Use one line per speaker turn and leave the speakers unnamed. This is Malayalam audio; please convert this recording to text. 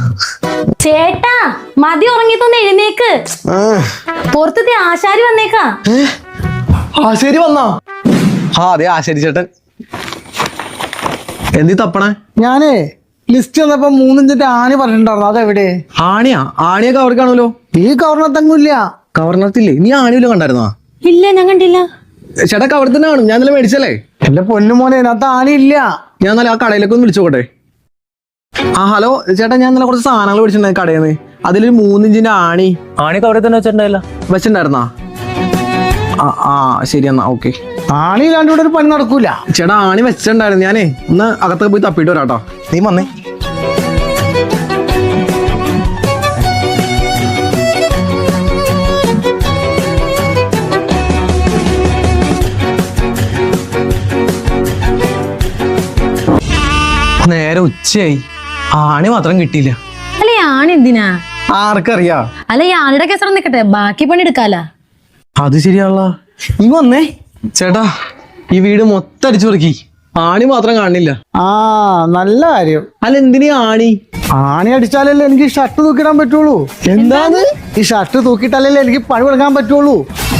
ചേട്ടാ മതി ഉറങ്ങിത്തൊന്ന് എഴുന്നേക്ക്. പുറത്തത്തെ ആശാരി വന്നേക്കാ.
ആശാരി വന്നാ? ആ അതെ ആശാരി ചേട്ടൻ. എന്തി തപ്പണേ?
ഞാനേ ലിസ്റ്റ് വന്നപ്പോ 3 ഇഞ്ചിന്റെ ആണി പറഞ്ഞിട്ടുണ്ടായിരുന്നു. അതെവിടെ?
ആണിയാ? ആണിയൊക്കെ അവിടെ കാണുമല്ലോ.
ഈ കവർണത്തെങ്ങുമില്ല.
കവർണത്തില്ലേ? നീ ആണിയില്ല കണ്ടായിരുന്നോ?
ഇല്ല, ഞാൻ കണ്ടില്ല.
ചേട്ടാ അവിടെ തന്നെ കാണും. ഞാൻ ഇന്നലെ മേടിച്ചല്ലേ.
എന്റെ പൊന്നു മോനെ, അതിനകത്ത് ആണി ഇല്ല.
ഞാൻ ഇന്നലെ ആ കടയിലേക്ക് ഒന്ന് വിളിച്ചോട്ടെ. ആ ഹലോ ചേട്ടാ, ഞാൻ ഇന്നലെ കുറച്ച് സാധനങ്ങൾ മേടിച്ചിട്ടുണ്ടായി കടയിൽ നിന്ന്. അതിലൊരു 3 ഇഞ്ചിന്റെ ആണിയൊക്കെ അവിടെ തന്നെ വെച്ചിട്ടുണ്ടായിരുന്നാ? ആ ശരി എന്നാ ഓക്കെ.
ആണി ഇല്ലാണ്ട് ഇവിടെ ഒരു പണി നടക്കൂല.
ചേട്ടാ ആണി വെച്ചിട്ടുണ്ടായിരുന്നു. ഞാനേ ഒന്ന് അകത്തൊക്കെ പോയി തപ്പിട്ട് വരാട്ടോ. നീ വന്നേ. നേരെ ഉച്ചയായി, ആണി മാത്രം കിട്ടിയില്ല.
അല്ലെ ആണി എന്തിനാ?
ആർക്കറിയാ?
അല്ല ഈ ആണിയുടെ കേസറ നിക്കട്ടെ, ബാക്കി പണി എടുക്കാല.
അത് ശരിയാണല്ലോ. നീ വന്നേ. ചേട്ടാ ഈ വീട് മൊത്തം അടിച്ചു പെറുക്കി, ആണി മാത്രം കാണില്ല.
ആ നല്ല കാര്യം.
അല്ല എന്തിനാ ആണി?
ആണി അടിച്ചാലല്ലേ എനിക്ക് ഷർട്ട് തൂക്കിടാൻ പറ്റുള്ളൂ.
എന്താണ്?
ഈ ഷർട്ട് തൂക്കിയിട്ടല്ലേ എനിക്ക് പണി കൊടുക്കാൻ പറ്റുള്ളൂ.